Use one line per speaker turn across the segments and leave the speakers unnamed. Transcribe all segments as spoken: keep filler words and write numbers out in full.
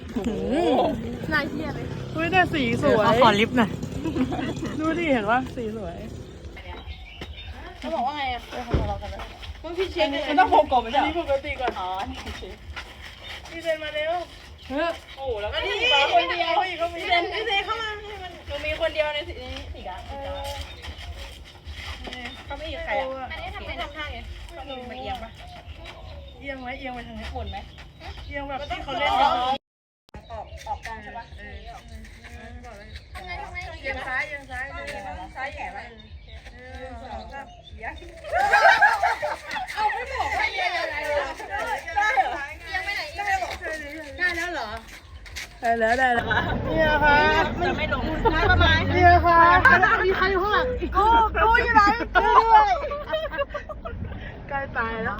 นายเที่ยเลย
อุ้ยแต่สีสวย
ขอลิฟต์หน่อย
ดูดิเห็นว่าสีสวย
เขาบอกว่าไงอ่ะเออเขาทะเลาะกันแล้วมันพี่เช็คเลย
มันต้องโผล่ก่อนไม่ใช่อันนี้ปกติก่อนอ๋อนี่เช็คพี่เซนมาเร็วเฮ้ยโอ้แล้วก็นี่มาคนเดียวอีกเขามี
พี่เซนพี่เซนเข้ามาให้มันหนูมีคนเดียวในสีนี้สีดำสีดำเขาไม่มีใครอ่ะอันนี้ทำไม่ทำท่าไงมันเอียงปะ
เอียงไหมเอียงไปทางนี้
หมุนไหม
เอียงแบบที่เขาเล่นกัน
ออกออกกองใช่ปะเออทำไงทำไง
เอียงซ้ายเอียงซ้าย
ซ้ายแย่ปะ
สองสามเอียง
เอาไม่บอกว่าเอียงยังไงได้เหรอเอียงไปไหนเอียงไปบอกได้แล้วเหรอ
ได้แล้วได้แล้วเนี่ยค่ะ
จะไม่ลงได้ประมาณ
เนี่ยค่ะ
มีใครอยู่ข้างหลังกูกูอยู่ไหนช่วยด้วย
ใกล้ตายแล้ว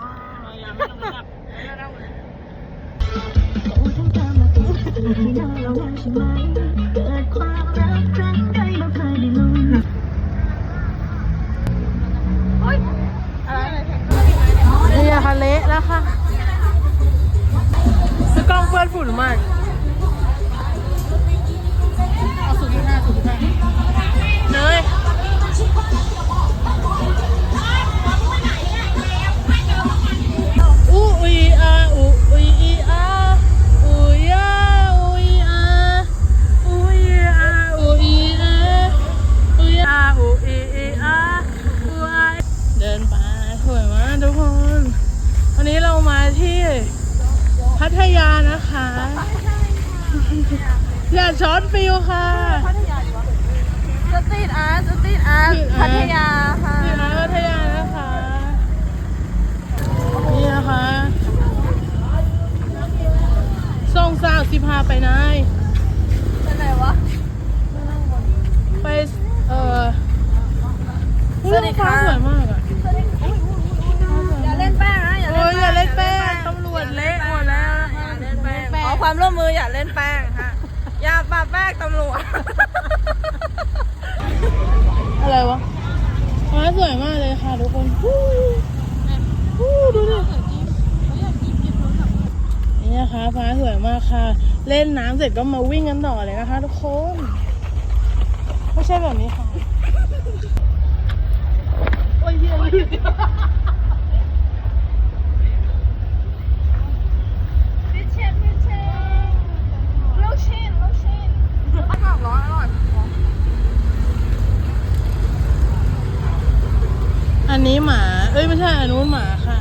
นี่ค่ะเละแล้วค่ะคือกล้องเปื้อนฝุ่นมากเอาสูงที่ห้าสูงที่ห้าเนยอูอีอาอูอีอาอูยาอูอีอาอูอีอาอูอีอาอูยาอูอีอาอูไอเดินไปสวยมากทุกคนวันนี้เรามาที่พัทยานะคะอย่าช็อตฟิลค่ะ
สตรีทอาร์ตสตรีทอาร์ตพัทยาค่ะ
ที่ร้านพัทยานะคะนี่นะคะส่งสาวสิบห้าไปไหน
ไปไหนวะ
ไปเออสวัสดีค่ะสวยมากอ่ะ
อย่าเล่นแป้งนะอย่า
โอ้
เล่น
ยอย่าเล่นแป้งตำรวจเละหมดแล้วนะคะ
เล่นแป้งขอความร่วมมืออย่าเล่นแป้งค่ะอย่าปาแป้งตำรวจ
อะไรวะฟ้าสวยมากเลยค่ะทุกคนฮู้ฮู้ดูดินี่นะคะฟ้าสวยมากค่ะ เล่นน้ำเสร็จก็มาวิ่งกันต่อเลยนะคะทุกคนไม่ใช่แบบนี้ค่ะโอ้ยเยอะเลย
พิเชนพิเชนลูกชิ้นลูกชิ้นอร่อยร้อนอร่อย
อันนี้หมาเอ้ยไม่ใช่อันนู้นหมาค่ะ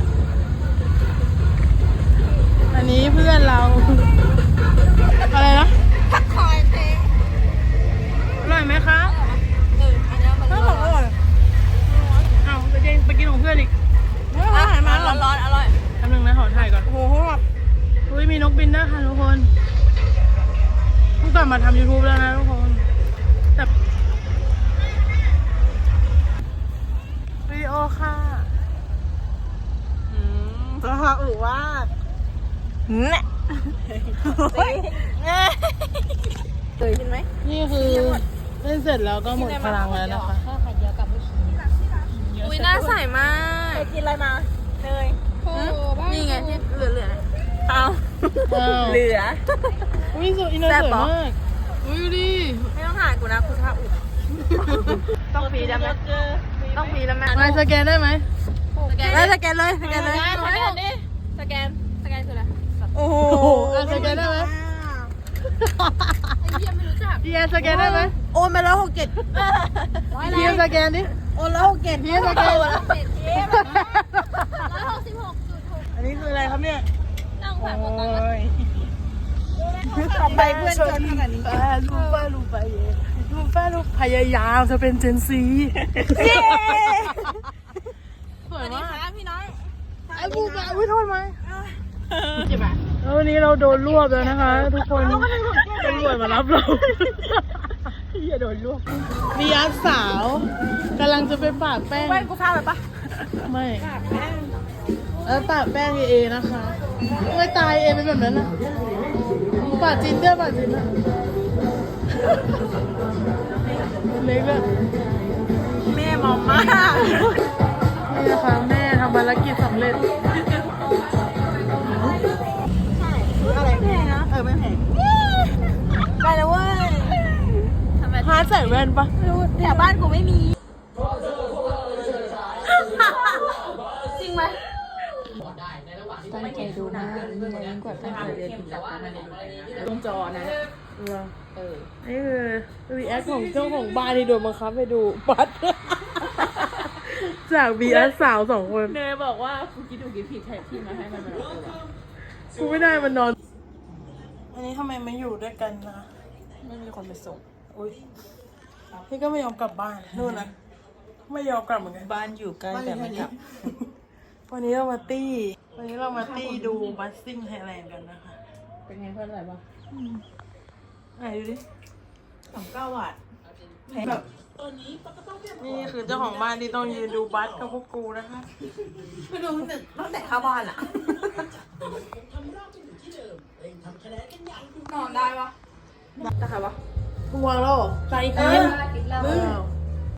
อันนี้เพื่อนเราอะไรนะ
ผักคอยเพลง
อร่อยไหมคะ
เอออันนี้มันร้อนอร่อย
เอาไปกินไปกินของเพื่อนอีก
อาหารมาร้อนร้อนอร่อย
แป๊บนึงนะขอถ่ายก่อน
โอ้โหแบบ
อุ้ยมีนกบินด้วยค่ะทุกคนเพิ่งกลับมาทำ YouTube แล้วนะทุกคนแต่วิดีโอค่ะอืม
ราคาอูว่าเนี่ยเคยกินไหม
นี่คือเล่นเสร็จแล้วก็หมดพลังแล้วนะคะ
อุ้ยน่าใส่มากเคยกินอะไรมาเนยนี่ไงที่เหลือเหลือเอา
อ้าว
เหลือ
อุ้ยสวยอินเนอร์สวยมากอุ้ยดูดิ
ไม่ต้องถ่ายกูนะคุณท่าอุต้องฟรีได้ไหมต้องฟรีได้ไหม
มาสแกนได้ไหม
สแกนเลยสแกนเลยสแกนเลยสแกนดิสแกนสแกนคืออะไรโอ้โห
โอ้โหอ่ะสแกนได้ไหม
ไอ้เหี้ยไม่รู้จัก
พี่แอนสแกนได้ไหม
โอนไปแล้วหกเจ็ด
พี่แอนสแกนดิ
โอนแล้วหกเจ็ด
พี่แอนสแกน
ร้อยหกสิบหกจุดหก
อันนี้คืออะไรครับเนี่ย
นั่ง
โอ้
ผ่านหมดตังค์
ย
ต่อไปเพื่อนจนขนาดนี้
ป้าลูกป้าลูกไปเย่ลูกป้าลูกพยายามจะเป็นเจนซีสวยมาก
ค่ะพี่น้อง
ไอ้บูบ้าอุ้ยโทษไหมแล้ววันนี้เราโดนรวบแล้วนะคะ ทุกคนตำรวจมารับเราอย่าโดนรวบมีอาสาวกำลังจะไปปาดแป้ง
แป้งกูพาไปปะ
ไม่แล้วปาดแป้งเอนะคะไม่ตายเอเป็นแบบนั้นนะปาดจินด้วยปาดจินนะเล็กอะ
แม่มอมมาก
นี่นะคะแม่ทำภารกิจสำเร็จ
อะไรแพงนะเออไม่แพง
าร์ทใส่แว่นปะไม่รู้
แถวบ้านกูไม่มีจริงไหมตั้งใจดูมากยิ่งยิ่งกว่าตั้งใจเรียนถึงหลักการตรงจอนะเออ
นี่คือรีแอคของเจ้าของบ้านที่โดนบังคับไปดูบัตร จากบีเอสสาวสองคน
เนยบอกว่ากูคิดถูกคิดผิดแทนที่มาให้มันมาดูว่ะ
กูไม่ได้มันนอน อันนี้ทำไมไม่อยู่ด้วยกันนะ
ไม่มีคนไปส่ง
อุ้ยพี่ก็ไม่ยอมกลับบ้านนู่นนะไม่ยอมกลับเหมือนกัน
บ้านอยู่ใกล้แต่ไม่กลับ
วันนี้เรามาตี้ วันนี้เรามาตี้ดูบัสซิ่งไทยแลนด์กันนะคะ
เป็นไงเพื่อนอะไรบ้าง
ไหนดูดิ
สองเก้าบาท
แบบนี่คือเจ้าของบ้านที่ต้องยืนดูบัสกับพวกกูนะคะ
ไม่ดูตั้งแต่ตั้งแต่เข้าบ้านอะนอนได้ปะได้ค่ะปะ
มึงวางแล้วเหรอ
ใจเกิน
มึง